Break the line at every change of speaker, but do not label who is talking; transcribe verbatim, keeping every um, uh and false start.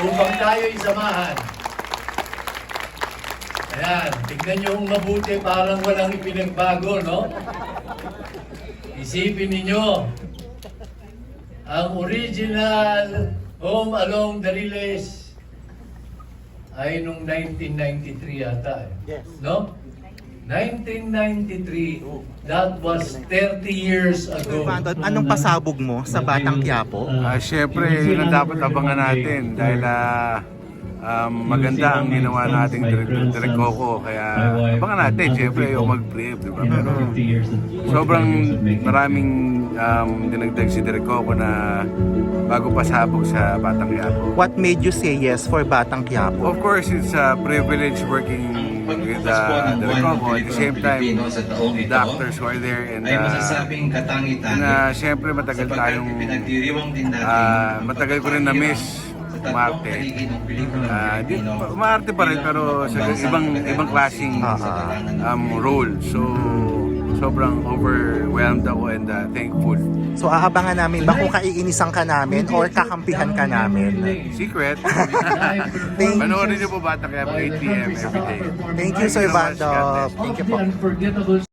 upang tayo'y samahan. Ayan, tignan nyo kung mabuti, parang walang ipinagbago, no? Isipin ninyo, ang original Home Along the Riles ay nung nineteen ninety-three yata, eh.
Yes.
No? nineteen ninety-three, that was thirty years ago.
Anong pasabog mo sa Batang Quiapo?
Ah, Siyempre, yun ang dapat abangan natin dahil ah, um, maganda ang ginawa nating Direk Direk Coco. Kaya abangan natin, siyempre, yung mag-brief, di ba? Pero sobrang maraming um, dinagdag si Direk Coco na bago pasabog sa Batang Quiapo.
What made you say yes for Batang Quiapo?
Of course, it's a privilege working with uh, Direk Coco. At the same time, the actors who are there and
ay
uh,
masasabing katangi-tangi.
na siyempre matagal tayong
pinagdiriwang din natin.
ah, matagal ko rin na-miss umarte. Ah, di, pa- umarte pa rin pero sa ibang ibang klaseng um, role. So sobrang overwhelmed ako and uh, thankful.
So aabangan namin ba kung kaiinisan ka namin or kakampihan ka namin?
Secret.
Thank-
Panoorin niyo po Batang Quiapo eight p m every day.
Thank you, Sir
so much. God
Vando.
bless.
Thank you po.
Unforgettable